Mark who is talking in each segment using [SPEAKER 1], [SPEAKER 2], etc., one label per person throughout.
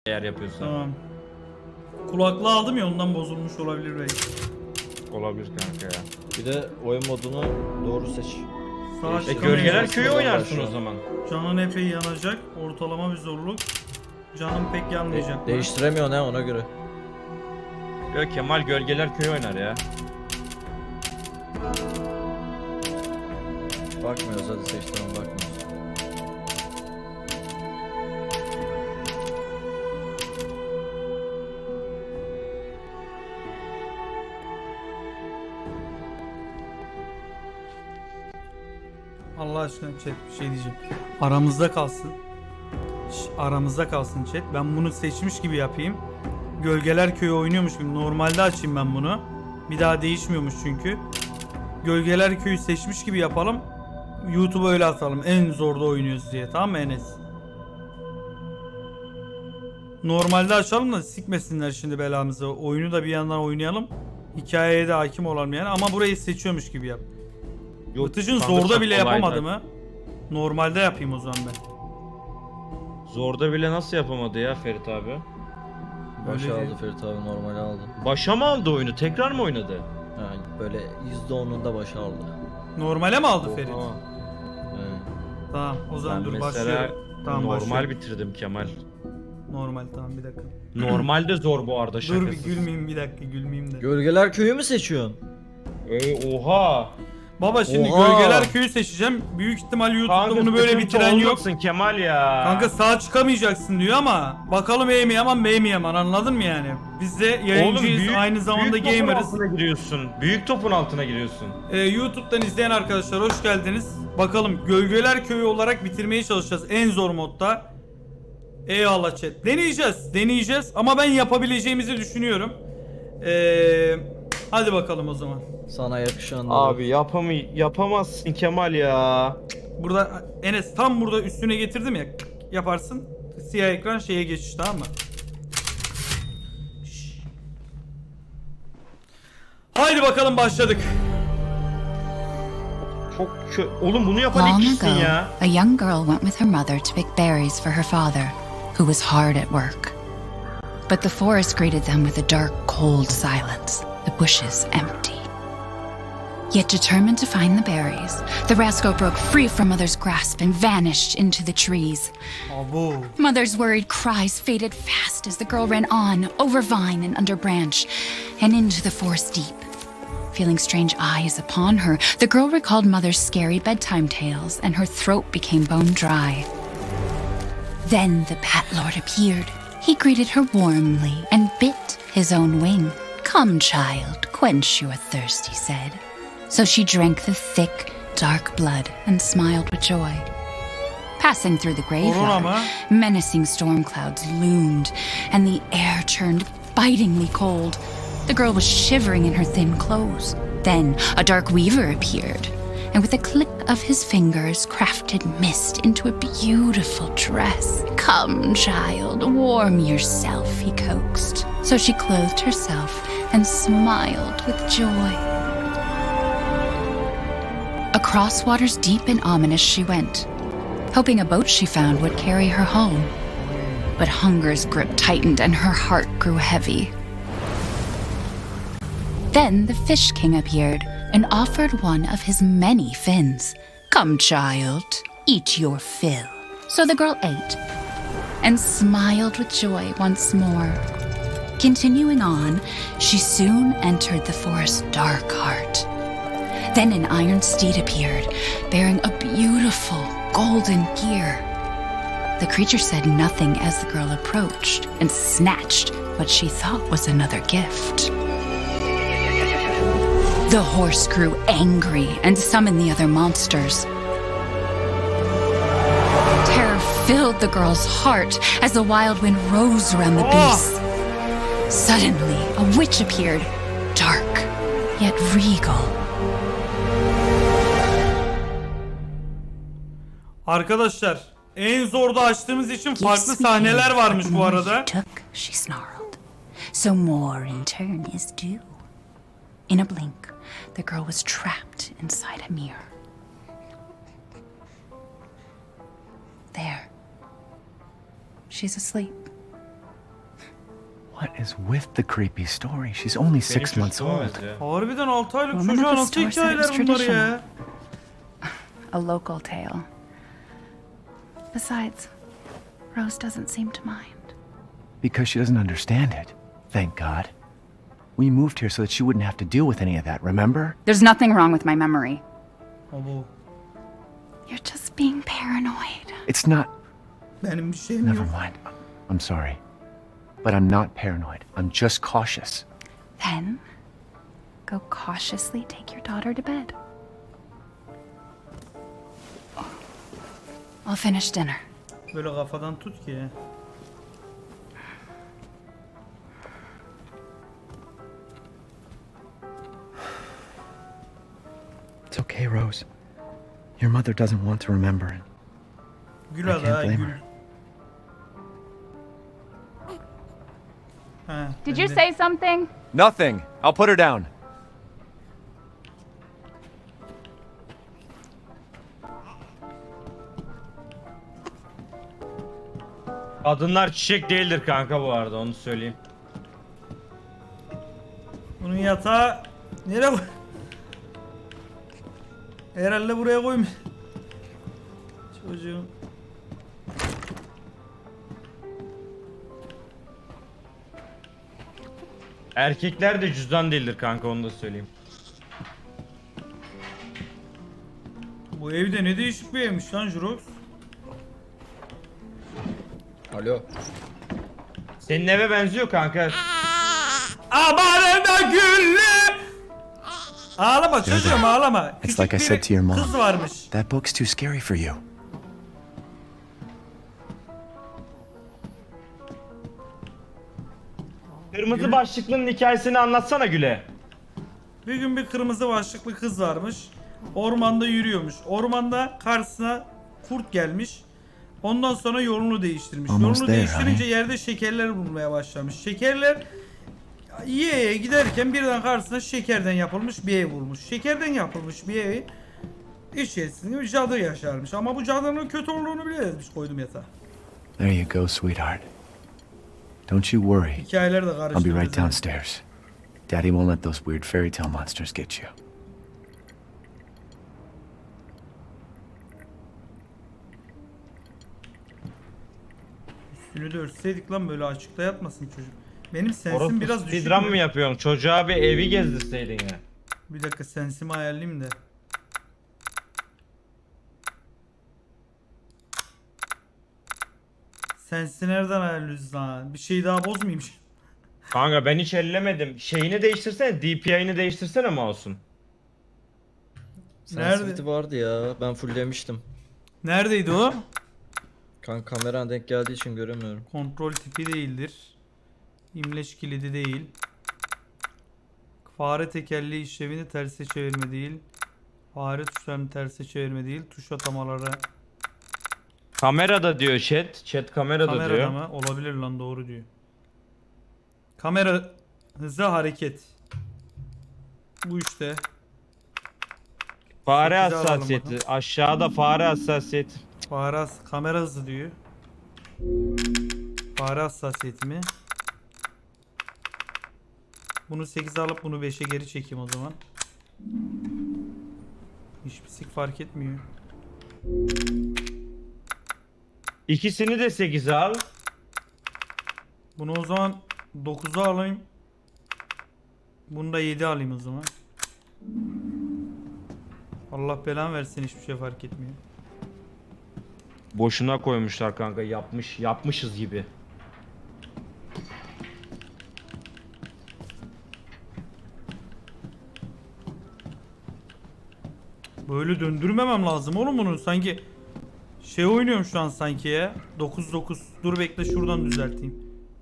[SPEAKER 1] eğer yapıyorsan.
[SPEAKER 2] Tamam. Kulaklığı aldım ya, ondan bozulmuş olabilir belki.
[SPEAKER 1] Olabilir kanka ya.
[SPEAKER 3] Bir de oyun modunu doğru seç.
[SPEAKER 2] Sağ
[SPEAKER 3] İşte
[SPEAKER 1] Gölgeler
[SPEAKER 2] çıkamayacağız.
[SPEAKER 1] Köyü oynarsın o zaman.
[SPEAKER 2] Canın epey yanacak. Ortalama bir zorluk. Canım pek yanmayacak. mı?
[SPEAKER 3] Değiştiremiyor ne ona göre.
[SPEAKER 1] Yok, Kemal Gölgeler Köyü oynar ya.
[SPEAKER 3] Bakmıyoruz, hadi seç, tamam, bakmıyoruz.
[SPEAKER 2] Allah aşkına chat, bir şey diyeceğim. Aramızda kalsın. Aramızda kalsın chat. Ben bunu seçmiş gibi yapayım. Gölgeler Köyü oynuyormuş gibi. Normalde açayım ben bunu. Bir daha değişmiyormuş çünkü. Gölgeler Köyü seçmiş gibi yapalım. YouTube'a öyle atalım. En zorda oynuyoruz diye. Tamam mı Enes? Normalde açalım da sikmesinler şimdi belamızı. Oyunu da bir yandan oynayalım. Hikayeye de hakim olalım yani. Ama burayı seçiyormuş gibi yap. Vıtıcın zorda bile yapamadı mı? Normalde yapayım o zaman ben.
[SPEAKER 1] Zorda bile nasıl yapamadı ya Ferit abi?
[SPEAKER 3] Başa
[SPEAKER 2] Öyle
[SPEAKER 3] aldı
[SPEAKER 2] değil.
[SPEAKER 3] Ferit abi, normali aldı.
[SPEAKER 1] Başa mı aldı oyunu? Tekrar mı oynadı?
[SPEAKER 3] Yani böyle %10'unda başa aldı.
[SPEAKER 2] Normale mi aldı Ferit?
[SPEAKER 1] Oha.
[SPEAKER 3] Evet.
[SPEAKER 2] Tamam o zaman
[SPEAKER 1] Ben
[SPEAKER 2] dur
[SPEAKER 1] mesela
[SPEAKER 2] başlıyorum. Tamam
[SPEAKER 1] normal
[SPEAKER 2] başlıyorum.
[SPEAKER 1] bitirdim Kemal.
[SPEAKER 2] Normal tamam, bir dakika.
[SPEAKER 1] Normalde zor bu arada, şakasız.
[SPEAKER 2] Dur bir gülmeyeyim, bir dakika gülmeyeyim de.
[SPEAKER 3] Gölgeler Köyü mü seçiyorsun?
[SPEAKER 1] Oha.
[SPEAKER 2] Baba şimdi
[SPEAKER 3] Oha!
[SPEAKER 2] Gölgeler Köyü seçeceğim. Büyük ihtimal YouTube'da
[SPEAKER 1] Kanka
[SPEAKER 2] bunu böyle
[SPEAKER 1] sıkıntı
[SPEAKER 2] bitiren yok.
[SPEAKER 1] olmasın Kemal ya.
[SPEAKER 2] Kanka sağ çıkamayacaksın diyor ama bakalım iyi mi yaman bey mi yaman, anladın mı yani? Biz de yayıncıyız, aynı zamanda
[SPEAKER 1] büyük topun
[SPEAKER 2] gamerız.
[SPEAKER 1] altına giriyorsun. Büyük topun altına giriyorsun.
[SPEAKER 2] YouTube'dan izleyen arkadaşlar hoş geldiniz. Bakalım Gölgeler Köyü olarak bitirmeye çalışacağız en zor modda. Eyvallah chat. Deneyeceğiz ama ben yapabileceğimizi düşünüyorum. Hadi bakalım o zaman.
[SPEAKER 3] Sana yakışan da.
[SPEAKER 1] Abi yapamazsın Kemal ya.
[SPEAKER 2] Burada Enes tam burada üstüne getirdim ya, yaparsın. Siyah ekran şeye geçiş, tamam mı? Şşş. Haydi bakalım, başladık.
[SPEAKER 1] Oğlum bunu yapan ilk
[SPEAKER 4] Long
[SPEAKER 1] kişisin
[SPEAKER 4] ago,
[SPEAKER 1] ya.
[SPEAKER 4] a young girl went with her mother to pick berries for her father, who was hard at work. But the forest greeted them with a dark, cold silence, the bushes empty. Yet determined to find the berries, the rascal broke free from Mother's grasp and vanished into the trees.
[SPEAKER 2] Abo.
[SPEAKER 4] Mother's worried cries faded fast as the girl ran on, over vine and under branch, and into the forest deep. Feeling strange eyes upon her, the girl recalled Mother's scary bedtime tales, and her throat became bone dry. Then the Bat Lord appeared. He greeted her warmly and bit his own wing. "Come, child, quench your thirst," he said. So she drank the thick, dark blood and smiled with joy. Passing through the graveyard, menacing storm clouds loomed, and the air turned bitingly cold. The girl was shivering in her thin clothes. Then a dark weaver appeared, and with a click of his fingers crafted mist into a beautiful dress. "Come, child, warm yourself," he coaxed. So she clothed herself and smiled with joy. Across waters deep and ominous she went, hoping a boat she found would carry her home. But hunger's grip tightened and her heart grew heavy. Then the Fish King appeared and offered one of his many fins. "Come, child, eat your fill." So the girl ate and smiled with joy once more. Continuing on, she soon entered the forest's dark heart. Then an iron steed appeared, bearing a beautiful golden gear. The creature said nothing as the girl approached and snatched what she thought was another gift. The horse grew angry and summoned the other monsters. Terror filled the girl's heart as the wild wind rose around the beasts. Suddenly, a witch appeared, dark yet regal.
[SPEAKER 2] Arkadaşlar en zorda açtığımız için farklı
[SPEAKER 4] Yes, we
[SPEAKER 2] sahneler
[SPEAKER 4] did,
[SPEAKER 2] varmış
[SPEAKER 4] but the
[SPEAKER 2] bu
[SPEAKER 4] more
[SPEAKER 2] arada.
[SPEAKER 4] you took, she snarled. So more in turn is due. In a blink, the girl was trapped inside a mirror. There. She's asleep.
[SPEAKER 5] What is with the creepy story? She's only
[SPEAKER 1] Benim
[SPEAKER 5] 6 months
[SPEAKER 1] çocuğum
[SPEAKER 5] old.
[SPEAKER 1] ya.
[SPEAKER 2] Harbiden 6 aylık
[SPEAKER 4] Woman at
[SPEAKER 2] çocuğa
[SPEAKER 4] the
[SPEAKER 2] nasıl
[SPEAKER 4] store said it was
[SPEAKER 2] hikayeler bunlar ya?
[SPEAKER 4] traditional. A local tale. Besides, Rose doesn't seem to mind.
[SPEAKER 5] Because she doesn't understand it. Thank God. We moved here so that she wouldn't have to deal with any of that, remember?
[SPEAKER 4] There's nothing wrong with my memory.
[SPEAKER 2] Abo.
[SPEAKER 4] You're just being paranoid.
[SPEAKER 5] It's not.
[SPEAKER 2] Benim bir şeyim
[SPEAKER 5] Never
[SPEAKER 2] yok.
[SPEAKER 5] mind. I'm sorry. But I'm not paranoid. I'm just cautious.
[SPEAKER 4] Then, go cautiously take your daughter to bed. I'll finish dinner.
[SPEAKER 2] Böyle kafadan tut ki.
[SPEAKER 5] It's okay, Rose. Your mother doesn't want to remember it.
[SPEAKER 2] Gül
[SPEAKER 5] I
[SPEAKER 2] hadi
[SPEAKER 5] can't
[SPEAKER 2] ha
[SPEAKER 5] blame
[SPEAKER 2] gül.
[SPEAKER 5] her.
[SPEAKER 2] Ha,
[SPEAKER 4] Did
[SPEAKER 2] ben
[SPEAKER 4] you
[SPEAKER 2] de-
[SPEAKER 4] say something?
[SPEAKER 5] Nothing. I'll put her down.
[SPEAKER 1] Kadınlar çiçek değildir kanka bu arada, onu söyleyeyim.
[SPEAKER 2] Bunun yatağı nereye koy? Herhalde buraya koymuş. Çocuğum.
[SPEAKER 1] Erkekler de cüzdan değildir kanka, onu da söyleyeyim.
[SPEAKER 2] Bu evde ne değişik bir evmiş lan Jurox.
[SPEAKER 3] Alo.
[SPEAKER 1] Senin eve benziyor kanka.
[SPEAKER 2] Amanına güllü. Ağlama çocuğum ağlama.
[SPEAKER 5] It's
[SPEAKER 2] Küçük
[SPEAKER 5] like I
[SPEAKER 2] bir
[SPEAKER 5] said to your mom.
[SPEAKER 2] kız varmış.
[SPEAKER 5] That book's too scary for you.
[SPEAKER 1] Kırmızı başlıklının hikayesini anlatsana Güle.
[SPEAKER 2] Bir gün bir kırmızı başlıklı kız varmış. Ormanda yürüyormuş. Ormanda karşısına kurt gelmiş. Ondan sonra yolunu değiştirmiş.
[SPEAKER 5] Almost
[SPEAKER 2] Yolunu
[SPEAKER 5] there,
[SPEAKER 2] değiştirince
[SPEAKER 5] honey.
[SPEAKER 2] yerde şekerler bulmaya başlamış. Şekerler yiye giderken birden karşısına şekerden yapılmış bir ev bulmuş. Şekerden yapılmış bir evi içerisinde bir cadı yaşarmış. Ama bu cadının kötü olduğunu bile yazmış, koydum yatağa.
[SPEAKER 5] There you go, sweetheart. Don't you worry.
[SPEAKER 2] Hikayeler de
[SPEAKER 5] I'll be
[SPEAKER 2] karıştırdı.
[SPEAKER 5] right downstairs. Daddy won't let those weird fairy tale monsters get you.
[SPEAKER 2] Üstünü de örtseydik lan, böyle açıkta yatmasın çocuk. Benim sensim
[SPEAKER 1] Orası
[SPEAKER 2] biraz düşük.
[SPEAKER 1] speedrun
[SPEAKER 2] mü?
[SPEAKER 1] mı yapıyorsun? Çocuğa bir evi gezdirseydin ya.
[SPEAKER 2] Bir dakika sensimi ayarlayayım da. Sensi nereden ayarlıyoruz lan? Bir şey daha bozmayayım.
[SPEAKER 1] Kanka ben hiç ellemedim. Şeyini değiştirsene, DPI'ni değiştirsene mouse'un.
[SPEAKER 3] Sensitivity vardı ya. Ben fulllemiştim.
[SPEAKER 2] Neredeydi o?
[SPEAKER 3] Kameran denk geldiği için göremiyorum.
[SPEAKER 2] Kontrol tipi değildir. İmleç kilidi değil. Fare tekerleği işlevini terse çevirme değil. Fare tuşlarını terse çevirme değil. Tuş atamaları
[SPEAKER 1] Kamerada diyor chat. Chat kamerada,
[SPEAKER 2] kamerada
[SPEAKER 1] diyor.
[SPEAKER 2] mı? Olabilir lan, doğru diyor. Kamera hızı hareket. Bu işte.
[SPEAKER 1] Fare
[SPEAKER 2] 8'e alalım
[SPEAKER 1] hassasiyeti. Aşağıda fare hassasiyeti.
[SPEAKER 2] Kamera hızı diyor. Fare hassasiyeti mi? Bunu 8'e alıp bunu 5'e geri çekeyim o zaman. Hiçbir sik fark etmiyor.
[SPEAKER 1] İkisini de 8'e al.
[SPEAKER 2] Bunu o zaman 9'a alayım. Bunu da 7 alayım o zaman. Allah belanı versin, hiçbir şey fark etmiyor.
[SPEAKER 1] Boşuna koymuşlar kanka, yapmışız gibi.
[SPEAKER 2] Böyle döndürmemem lazım oğlum bunu. Sanki şey oynuyorum şu an sanki ya. 9-9. Dur bekle, şuradan düzelteyim.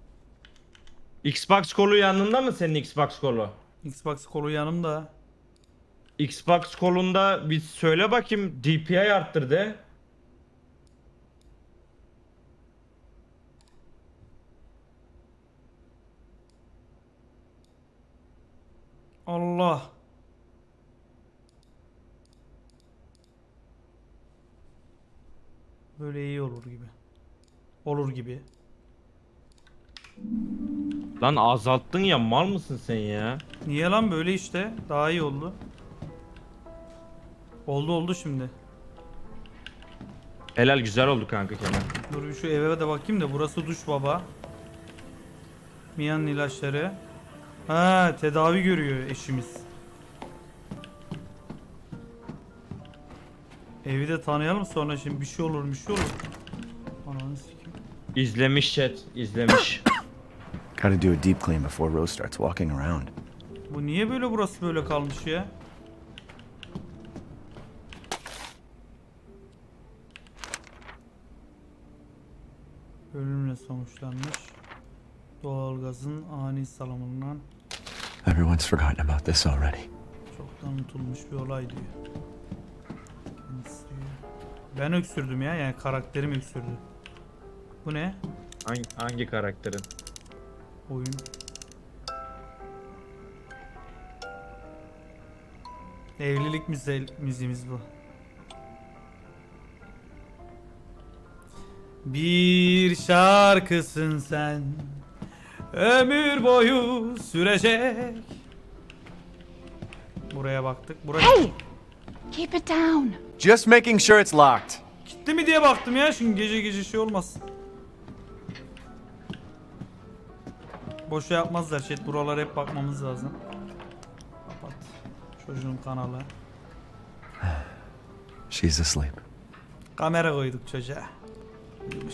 [SPEAKER 1] Xbox kolu yanında mı senin Xbox kolu?
[SPEAKER 2] Xbox kolu yanımda.
[SPEAKER 1] Xbox kolunda bir söyle bakayım, DPI arttır de.
[SPEAKER 2] Allah. Böyle iyi olur gibi. Olur gibi.
[SPEAKER 1] Lan azalttın ya, mal mısın sen ya?
[SPEAKER 2] Niye lan böyle işte? Daha iyi oldu. Oldu şimdi.
[SPEAKER 1] Helal, güzel oldu kanka Kemal.
[SPEAKER 2] Dur bir şu eve de bakayım da burası duş baba. Mia'nın ilaçları. Ha, tedavi görüyor eşimiz. Evi de tanıyalım sonra şimdi bir şey olur. Ananı sikeyim.
[SPEAKER 1] İzlemiş chat, izlemiş.
[SPEAKER 5] Gotta do a deep clean before Rose starts walking around.
[SPEAKER 2] Bu niye böyle burası böyle kalmış ya? Ölümle sonuçlanmış. Doğalgazın ani salımından
[SPEAKER 5] Everyone's forgotten about this already.
[SPEAKER 2] çoktan unutulmuş bir olay diyor. Kendisi diyor. Ben öksürdüm ya, yani karakterim öksürdü. Bu ne?
[SPEAKER 1] Hangi karakterin?
[SPEAKER 2] Oyun. Evlilik müziğimiz bu. Bir şarkısın sen, ömür boyu sürecek. Buraya baktık. Buraya
[SPEAKER 4] Hey! Keep it down.
[SPEAKER 5] Just making sure it's locked.
[SPEAKER 2] gitti mi diye baktım ya, şimdi gece şey olmaz. Boşa yapmazlar chat, buralara hep bakmamız lazım. Kapat. Çocuğun kanalı.
[SPEAKER 5] She's asleep.
[SPEAKER 2] Kamera koyduk çocuğa. Uyumuş.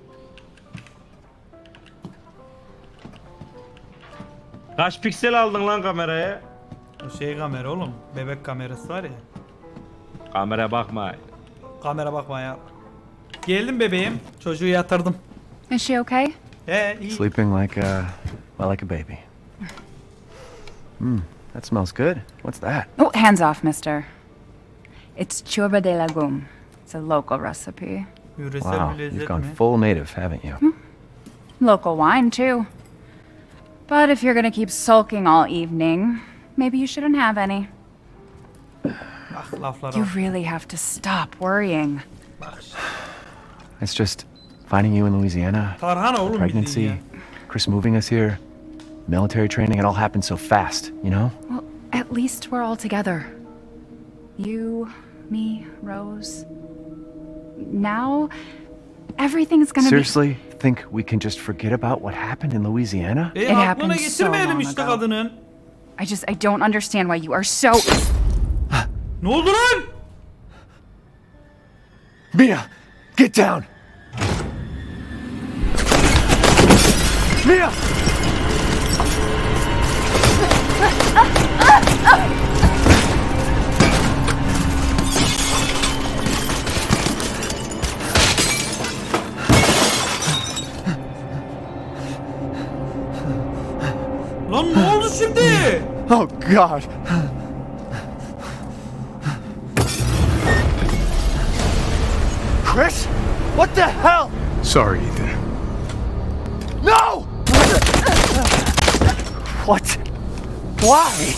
[SPEAKER 1] Kaç piksel aldın lan kameraya?
[SPEAKER 2] O şey kamera oğlum. Bebek kamerası var ya.
[SPEAKER 1] Kamera bakma.
[SPEAKER 2] Kamera bakma ya. Geldim bebeğim. Çocuğu yatırdım.
[SPEAKER 4] Is she okay?
[SPEAKER 2] İyi.
[SPEAKER 5] Sleeping like like a baby. That smells good. What's that?
[SPEAKER 4] Oh, hands off, mister. It's churba de legume. It's a local recipe.
[SPEAKER 2] Yöresel
[SPEAKER 5] Wow,
[SPEAKER 2] bir
[SPEAKER 5] you've
[SPEAKER 2] lezzet
[SPEAKER 5] gone
[SPEAKER 2] mi?
[SPEAKER 5] full native, haven't you?
[SPEAKER 4] Local wine, too. But if you're gonna keep sulking all evening, maybe you shouldn't have any.
[SPEAKER 2] Ah, laflara
[SPEAKER 4] You
[SPEAKER 2] bak.
[SPEAKER 4] really have to stop worrying.
[SPEAKER 5] It's just finding you in Louisiana,
[SPEAKER 2] Tarhana oğlum bildiğin
[SPEAKER 5] pregnancy,
[SPEAKER 2] ya.
[SPEAKER 5] Chris moving us here, military training, it all happened so fast, you know?
[SPEAKER 4] Well, at least we're all together. You, me, Rose. Now, everything's gonna
[SPEAKER 5] Seriously, think we can just forget about what happened in Louisiana?
[SPEAKER 2] Aklına
[SPEAKER 4] happened so
[SPEAKER 2] getirmeyelim
[SPEAKER 4] long
[SPEAKER 2] işte
[SPEAKER 4] ago.
[SPEAKER 2] kadının.
[SPEAKER 4] I don't understand why you are so.
[SPEAKER 2] Ne oldu lan?
[SPEAKER 5] Mia, get down! Mia!
[SPEAKER 2] Lan ne oldu şimdi?
[SPEAKER 5] Oh God! Chris? What the hell?
[SPEAKER 6] Sorry, Ethan.
[SPEAKER 5] No! What? Why?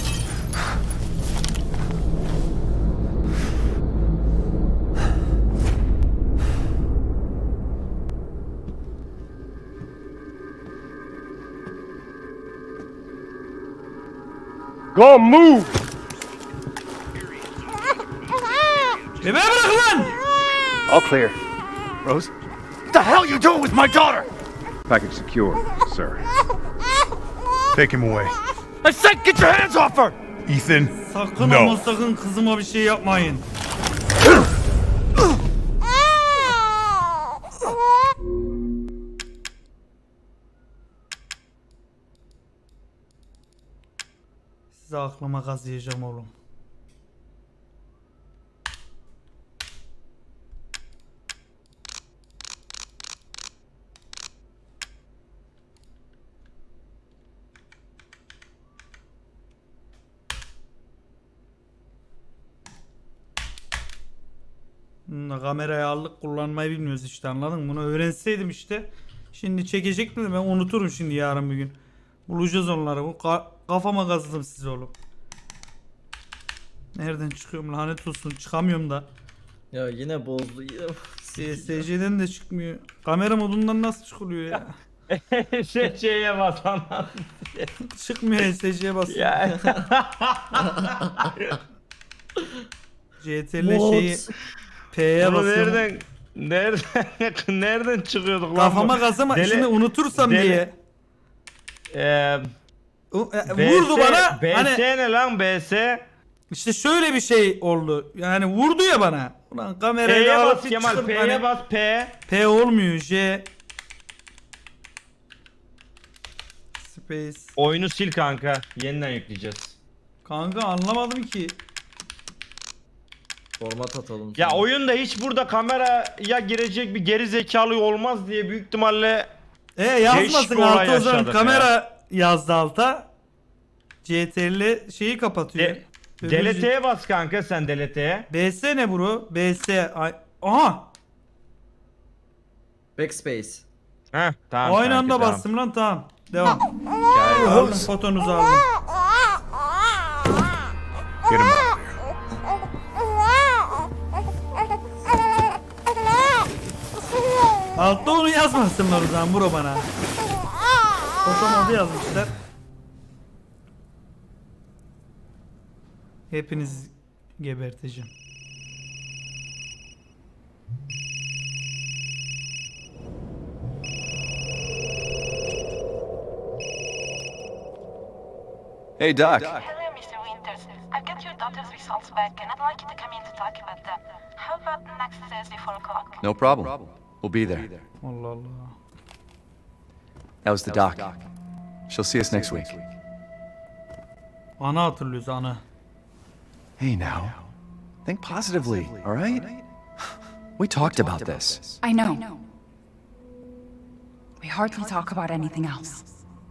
[SPEAKER 6] Go move!
[SPEAKER 2] Bebeğe bırak lan!
[SPEAKER 5] All clear. Rose? What the hell you doing with my daughter?
[SPEAKER 6] Package secure, sir. Take him away.
[SPEAKER 5] I said get your hands off her!
[SPEAKER 6] Ethan,
[SPEAKER 2] Sakın
[SPEAKER 6] no.
[SPEAKER 2] ama sakın kızıma bir şey yapmayın. Size aklıma kazıyacağım oğlum. Kamerayı aldık, kullanmayı bilmiyoruz işte, anladın mı? Bunu öğrenseydim işte. Şimdi çekecektim de ben unuturum şimdi yarın bir gün. Bulacağız onları. Bu kafama kazıdım size oğlum. Nereden çıkıyorum lanet olsun, çıkamıyorum da.
[SPEAKER 3] Ya yine bozdu.
[SPEAKER 2] SC'den de çıkmıyor. Kamera modundan nasıl çıkılıyor ya?
[SPEAKER 1] SC'ye bas lan.
[SPEAKER 2] Çıkmıyor SC'ye basıyor.
[SPEAKER 1] Ya.
[SPEAKER 2] CTRL şeyi P'ye
[SPEAKER 1] Bunu
[SPEAKER 2] basıyorum.
[SPEAKER 1] nereden çıkıyorduk lan?
[SPEAKER 2] Kafama
[SPEAKER 1] bu?
[SPEAKER 2] kazama
[SPEAKER 1] Dele-
[SPEAKER 2] şimdi unutursam
[SPEAKER 1] dele-
[SPEAKER 2] diye. Vurdu
[SPEAKER 1] BS,
[SPEAKER 2] bana.
[SPEAKER 1] BS
[SPEAKER 2] Hani
[SPEAKER 1] ne lan BS?
[SPEAKER 2] işte şöyle bir şey oldu. Yani vurdu ya bana. Ulan kamerayı
[SPEAKER 1] P'ye
[SPEAKER 2] da
[SPEAKER 1] bas
[SPEAKER 2] alıp
[SPEAKER 1] Kemal,
[SPEAKER 2] çıkıp
[SPEAKER 1] P'ye
[SPEAKER 2] hani-
[SPEAKER 1] bas P.
[SPEAKER 2] P olmuyor. J Space.
[SPEAKER 1] Oyunu sil kanka. Yeniden yükleyeceğiz.
[SPEAKER 2] Kanka anlamadım ki.
[SPEAKER 3] Format atalım.
[SPEAKER 1] Ya
[SPEAKER 3] sana.
[SPEAKER 1] oyunda hiç burada kameraya girecek bir geri zekalı olmaz diye büyük ihtimalle
[SPEAKER 2] Yazmasın
[SPEAKER 1] bir olay
[SPEAKER 2] alta o zaman
[SPEAKER 1] yaşadık
[SPEAKER 2] kamera yazdı alta. CTRL şeyi kapatıyor.
[SPEAKER 1] delete'ye bas kanka sen delete'ye.
[SPEAKER 2] BS ne bro? BS. Aha.
[SPEAKER 3] Backspace.
[SPEAKER 1] Heh tamam.
[SPEAKER 2] Aynı
[SPEAKER 1] kanka,
[SPEAKER 2] anda
[SPEAKER 1] tamam.
[SPEAKER 2] bastım lan tamam. Devam.
[SPEAKER 1] Hikaye var.
[SPEAKER 2] Aldım fotonuzu aldım.
[SPEAKER 6] Get him out.
[SPEAKER 2] Altta onu yazmasınlar o zaman bro bana. Fotomodu yazmışlar. Hepiniz geberteceğim.
[SPEAKER 5] Hey, Doc.
[SPEAKER 7] Hello, Mr. Winters. I've got your daughter's results back, and I'd like you to come in to talk about them. How about next Thursday, 4 o'clock?
[SPEAKER 5] No problem. We'll be there.
[SPEAKER 2] Allah Allah.
[SPEAKER 5] That was the doc. She'll see us next week.
[SPEAKER 2] Ana hatırlıyoruz ana.
[SPEAKER 5] Hey, now. Think positively, all right? We talked about this.
[SPEAKER 4] I know. We hardly talk about anything else.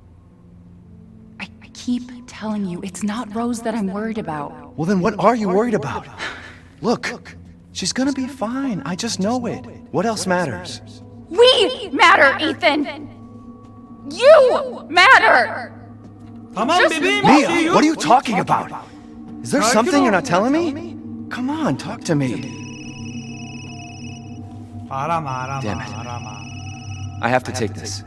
[SPEAKER 4] I keep telling you, it's not Rose that I'm worried about.
[SPEAKER 5] Well, then what are you worried about? Look, she's gonna be fine. I just know it. What else matters?
[SPEAKER 4] We matter, Ethan! You matter!
[SPEAKER 2] Tamam bebeğim bir şey
[SPEAKER 5] Mia,
[SPEAKER 2] yok.
[SPEAKER 5] what are you talking about? Is there
[SPEAKER 2] Sakin
[SPEAKER 5] something you're
[SPEAKER 2] ol.
[SPEAKER 5] not telling me? Come on, talk to me.
[SPEAKER 2] Arama
[SPEAKER 5] Damn it.
[SPEAKER 2] arama.
[SPEAKER 5] I have to take this.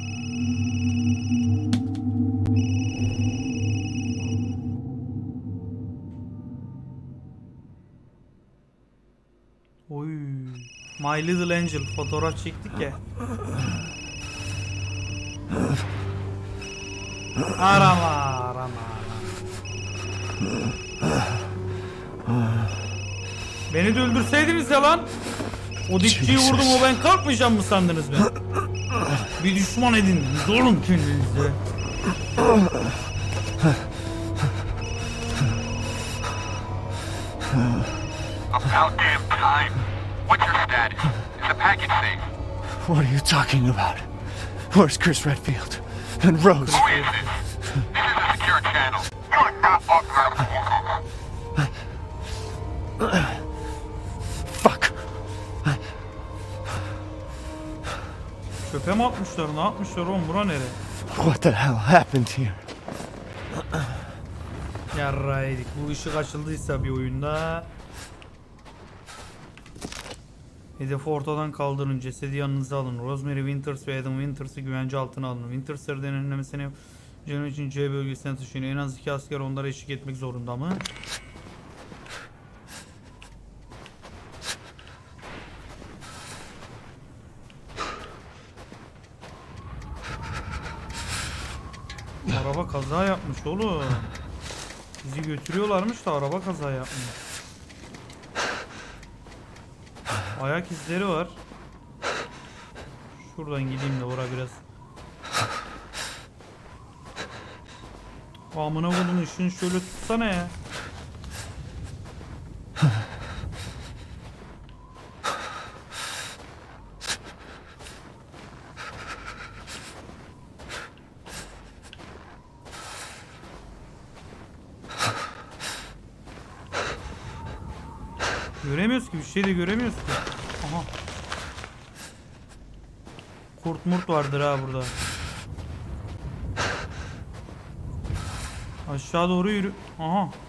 [SPEAKER 2] Oy. My Little Angel fotoğraf çektik ya. Arama. Beni de öldürseydiniz ya lan. O dipçiyi vurdum o ben kalkmayacağım mı sandınız ben? Bir düşman edindiniz oğlum kendinize.
[SPEAKER 8] About damn time. What's your status? Is the package safe?
[SPEAKER 5] What are you talking about? Where's Chris Redfield? And Rose?
[SPEAKER 8] Who is this? This is a secure channel. You're not authorized.
[SPEAKER 5] Fuck.
[SPEAKER 2] Çöpe mi atmışlar? Ne yapmışlar oğlum? Bura nere?
[SPEAKER 5] What the hell happened here?
[SPEAKER 2] Yarraydık. Bu ışık açıldıysa bir oyunda. Hedefi ortadan kaldırın. Cesedi yanınıza alın. Rosemary Winters ve Adam Winters'ı güvence altına alın. Winters'ları denetlemesini canı için C bölgesine taşıyın. En az 2 asker onlara eşlik etmek zorunda mı? Araba kaza yapmış oğlum. Bizi götürüyorlarmış da araba kaza yapmış. Ayak izleri var. Şuradan gideyim de ora biraz. Amına koydum ışığını şöyle tutsana ya. Göremiyoruz ki bir şey de göremiyoruz ki. Aha. Kurt murt vardır ha burada. Aşağı doğru yürü. Aha.